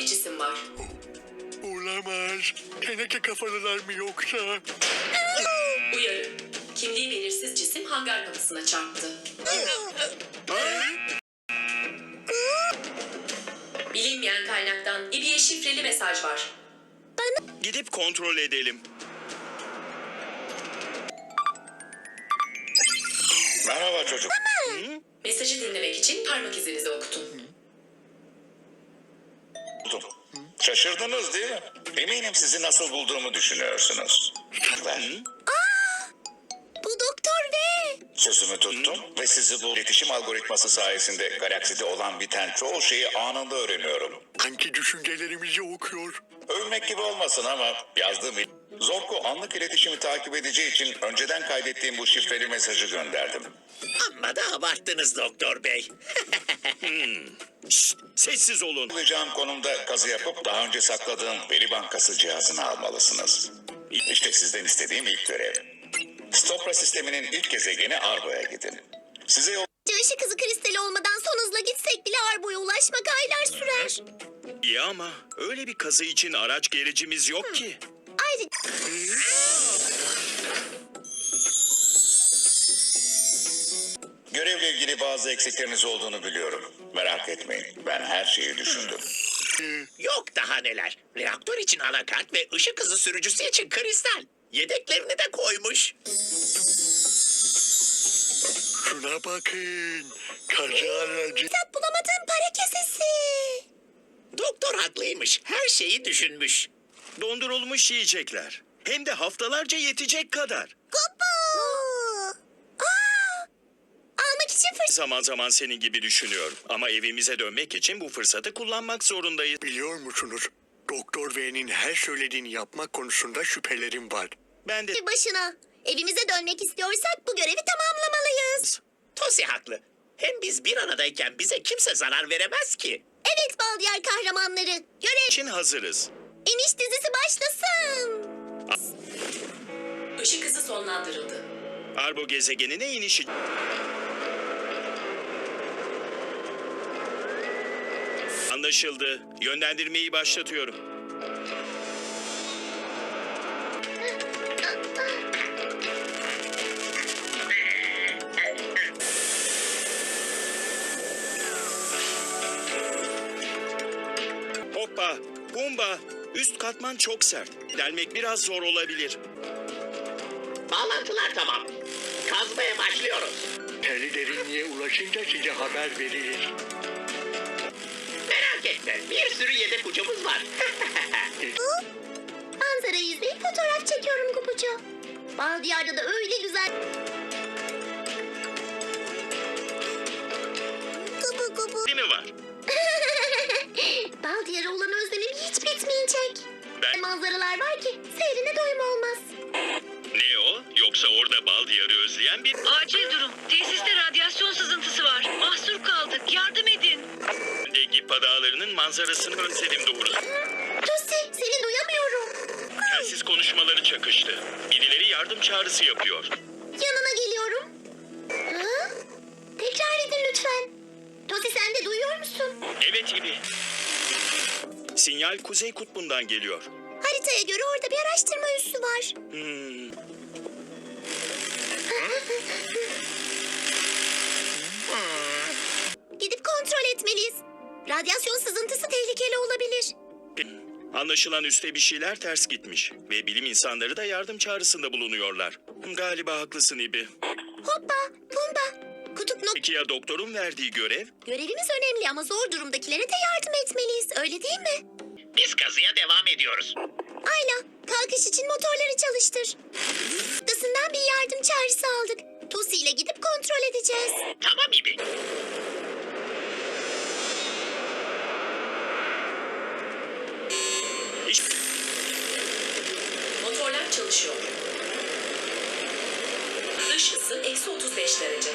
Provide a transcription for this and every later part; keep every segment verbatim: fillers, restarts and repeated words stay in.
bir cisim var. Olamaz. Teneke kafalılar mı yoksa? Uyarı. Kimliği belirsiz cisim hangar kapısına çarptı. Bilinmeyen kaynaktan İBİ'ye şifreli mesaj var. Gidip kontrol edelim. Merhaba çocuk. Mesajı dinlemek için parmak izinizi okutun. Buldum. Şaşırdınız değil mi? Eminim sizi nasıl bulduğumu düşünüyorsunuz. Ben Bu Doktor V. sözümü tuttum ve sizi bu iletişim algoritması sayesinde galakside olan biten çoğu şeyi anında öğreniyorum. Sanki düşüncelerimizi okuyor. Övmek gibi olmasın ama yazdığım il- Zorko anlık iletişimi takip edeceği için önceden kaydettiğim bu şifreli mesajı gönderdim. Amma da abarttınız doktor bey. Şşt, sessiz olun. Alacağım konumda kazı yapıp daha önce sakladığım veri bankası cihazını almalısınız. İşte sizden istediğim ilk görev. Stopra sisteminin ilk gezegeni Argo'ya gidin. Size yol Işık hızı kristali olmadan son hızla gitsek bile Arbo'ya ulaşmak aylar sürer. İyi ama öyle bir kazı için araç gericimiz yok ki. Ayrıca görevle ilgili bazı eksikleriniz olduğunu biliyorum. Merak etmeyin. Ben her şeyi düşündüm. Yok daha neler. Reaktör için anakart ve ışık hızı sürücüsü için kristal. Yedeklerini de koymuş. Şuna bakın. Kaza aracı. tat bulamadığım para kesesi. Doktor haklıymış. Her şeyi düşünmüş. Dondurulmuş yiyecekler. Hem de haftalarca yetecek kadar. Kupu. Aa! Almak için fırsat. Zaman zaman senin gibi düşünüyorum. Ama evimize dönmek için bu fırsatı kullanmak zorundayız. Biliyor musunuz? Doktor V'nin her söylediğini yapmak konusunda şüphelerim var. Ben de... Başına. Evimize dönmek istiyorsak bu görevi tamamlamalıyız. Tosi haklı. Hem biz bir aradayken bize kimse zarar veremez ki. Evet Baldiyar kahramanları. Görev için hazırız. iniş dizisi başlasın. Işık hızı sonlandırıldı. Arbo gezegenine inişi... Anlaşıldı. Yönlendirmeyi başlatıyorum. Hoppa, bumba. Üst katman çok sert. Delmek biraz zor olabilir. Bağlantılar tamam. Kazmaya başlıyoruz. Teli derinliğe ulaşınca size haber veririz. Merak etme. Bir sürü yedek ucumuz var. Manzarayı izleyip fotoğraf çekiyorum Kupucu. Baldiyar'da da öyle güzel. Kupu kupu. Değil mi var? Baldiyar'a olan özlemim hiç bitmeyecek. Ben... Manzaralar var ki seyrine doyum olmaz. Ne o? Yoksa orada bal diyarı özleyen bir... Acil durum. Tesiste radyasyon sızıntısı var. Mahsur kaldık. Yardım edin. de Gippa Dağları'nın manzarasını özledim doğrusu. Tosi seni duyamıyorum. Telsiz konuşmaları çakıştı. Birileri yardım çağrısı yapıyor. Yanına geliyorum. Ha? Tekrar edin lütfen. Tosi sen de duyuyor musun? Evet İbi. Sinyal Kuzey Kutbu'ndan geliyor. Haritaya göre orada bir araştırma üssü var. Hmm. Gidip kontrol etmeliyiz. Radyasyon sızıntısı tehlikeli olabilir. Anlaşılan üstte bir şeyler ters gitmiş. Ve bilim insanları da yardım çağrısında bulunuyorlar. Galiba haklısın İbi. Hoppa, bumba. Kutup nok... Peki ya doktorun verdiği görev? Görevimiz önemli ama zor durumdakilere de yardım etmeliyiz. Öyle değil mi? Biz kazıya devam ediyoruz. Ayla, kalkış için motorları çalıştır. Noktasından bir yardım çağrısı aldık. Tosi ile gidip kontrol edeceğiz. Tamam İbi. İşte, Motorlar çalışıyor. Dış ısı eksi otuz beş derece.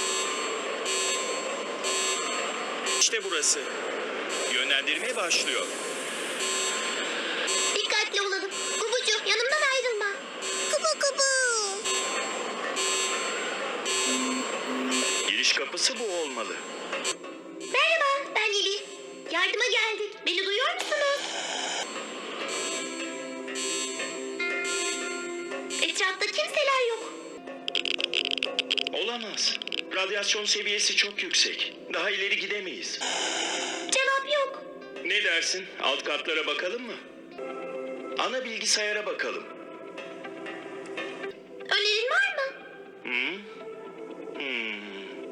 işte burası. Yönlendirme başlıyor. Dikkatli olalım. Kubucu, yanımdan ayrılma. Kubu kubu. Giriş kapısı bu olmalı. Merhaba, ben Lili. Yardıma geldik. Beni duyuyor musunuz? radyasyon seviyesi çok yüksek. Daha ileri gidemeyiz. Cevap yok. Ne dersin? Alt katlara bakalım mı? Ana bilgisayara bakalım. Önerin var mı? Hmm? Hmm.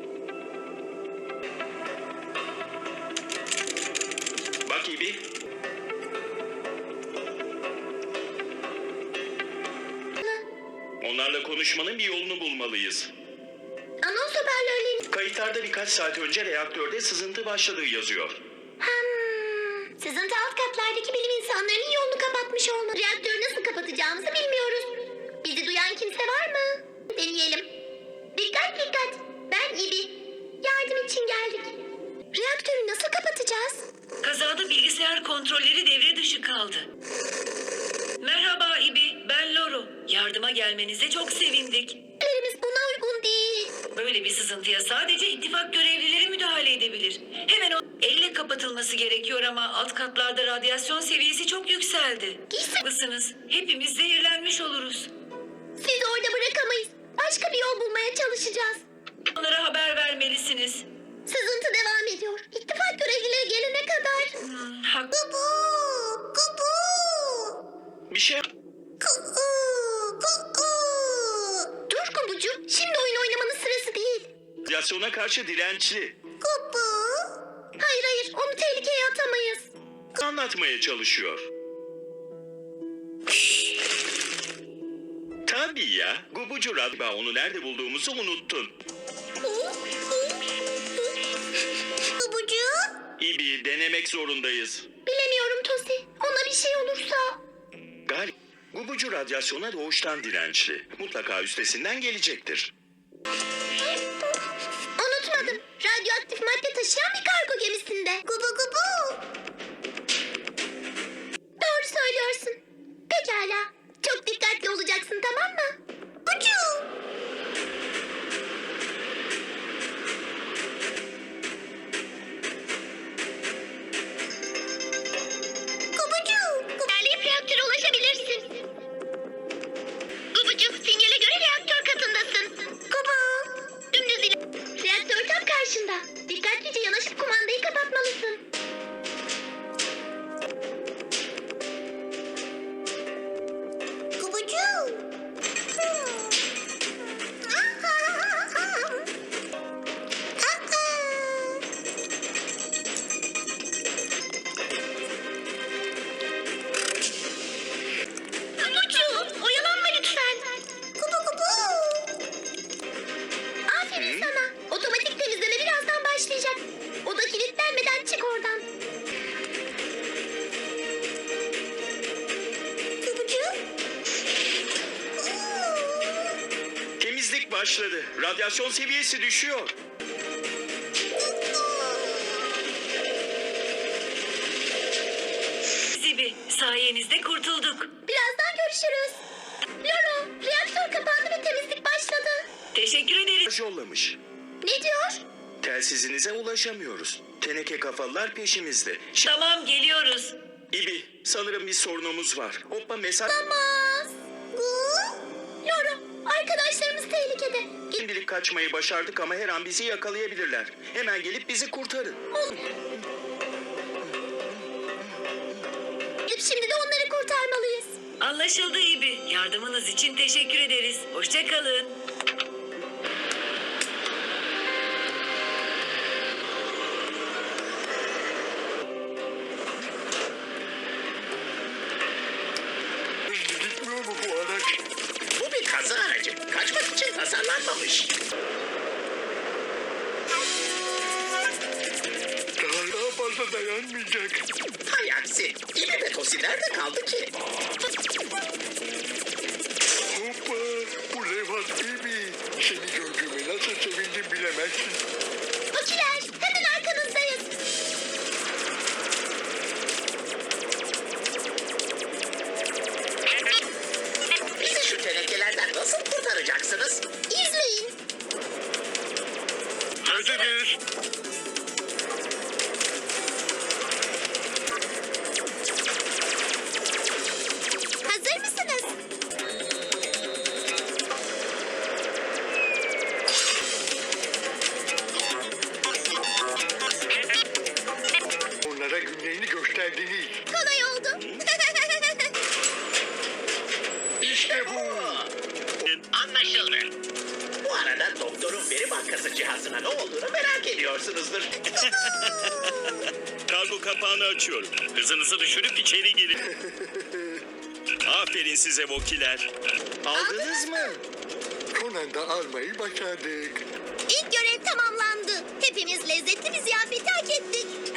Bak İbi. Onlarla konuşmanın bir yolunu bulmalıyız. Anons haberlerinin... Kayıtlarda birkaç saat önce reaktörde sızıntı başladığı yazıyor. Hmm. Sızıntı alt katlardaki bilim insanlarının yolunu kapatmış olmalı. Reaktörü nasıl kapatacağımızı bilmiyoruz. Bizi duyan kimse var mı? Deneyelim. Dikkat dikkat. Ben İbi. Yardım için geldik. Reaktörü nasıl kapatacağız? Kazada bilgisayar kontrolleri devre dışı kaldı. Merhaba İbi, ben Loro. Yardıma gelmenize çok sevindik. Ellerimiz buna uygun değil. Böyle bir sızıntıya sadece ittifak görevlileri müdahale edebilir. Hemen o elle kapatılması gerekiyor ama alt katlarda radyasyon seviyesi çok yükseldi. Giysi- Haklısınız. Hepimiz zehirlenmiş oluruz. Sizi orada bırakamayız. Başka bir yol bulmaya çalışacağız. Onlara haber vermelisiniz. Sızıntı devam ediyor. İttifak görevlileri gelene kadar. Hmm, hak- Kubu! Kubu! Bir şey... Kubu! Kubu! Dur Kubucuğum. Şimdi oyun oynamanın sırası değil. Radyasyona karşı dirençli. Kubu! Hayır hayır. Onu tehlikeye atamayız. Anlatmaya çalışıyor. Tabii ya. Gubucu Radba onu nerede bulduğumuzu unuttun. Kubucuğum? İbi denemek zorundayız. Bilemiyorum Tosi. Ona bir şey olursa. Gal, Gubucu radyasyona doğuştan dirençli. Mutlaka üstesinden gelecektir. Unutmadım. Radyoaktif madde taşıyan bir kargo gemisinde. Gubu gubu. Doğru söylüyorsun. Pekala. Çok dikkatli olacaksın, tamam mı? Bucu. Gubucu. İlerleyip reaktöre ulaşabilirsin. Gubucu, sinyale göre reaktör katındasın. Gubu. Dümdüz ile... Reaktör tam karşında. Dikkatlice yanaşıp kumandayı kapatmalısın. Gubucu. Gubucu, oyalanma lütfen. Gubu gubu. Aferin sana. Otomatik temizleme birazdan başlayacak. Oda kilitlenmeden çık oradan. Gubucu. Temizlik başladı. Radyasyon seviyesi düşüyor. Zibi, sayenizde kurtulduk. Birazdan görüşürüz. Loro, reaktör kapandı ve temizlik başladı. Teşekkür ederiz. Yollamış. Ne diyor? Telsizinize ulaşamıyoruz. Teneke kafalılar peşimizde. Ş- Tamam, geliyoruz. İbi, sanırım bir sorunumuz var. Hoppa mesaj... Olamaz. Gu? Loro, arkadaşlarımız tehlikede. Git Şimdilik kaçmayı başardık ama her an bizi yakalayabilirler. Hemen gelip bizi kurtarın. gidip şimdi de onları kurtarmalıyız. Anlaşıldı İbi. Yardımınız için teşekkür ederiz. Hoşça kalın. Gitmiyor mu bu araç? Bu bir kaza aracı. Kaçmak için tasarlanmamış. Daha, daha fazla dayanmayacak. Hay aksi. İbi ve Tosi nerede kaldı ki? Hoppa, bu levhat gibi. Seni gördüğüme nasıl sevindim bilemezsin. Tokiler, hemen arkanızdayız. Bizi şu tenekelerden nasıl kurtaracaksınız? İzleyin. Hazırız. Hazır mısınız? Anlaşıldı. Bu arada doktorun veri bankası cihazına ne olduğunu merak ediyorsunuzdur. Kargo kapağını açıyorum. Hızınızı düşürüp içeri girin. Aferin size Vokiler. Aldınız mı? Conan'da almayı başardık. İlk görev tamamlandı. Hepimiz lezzetli bir ziyafeti hak ettik.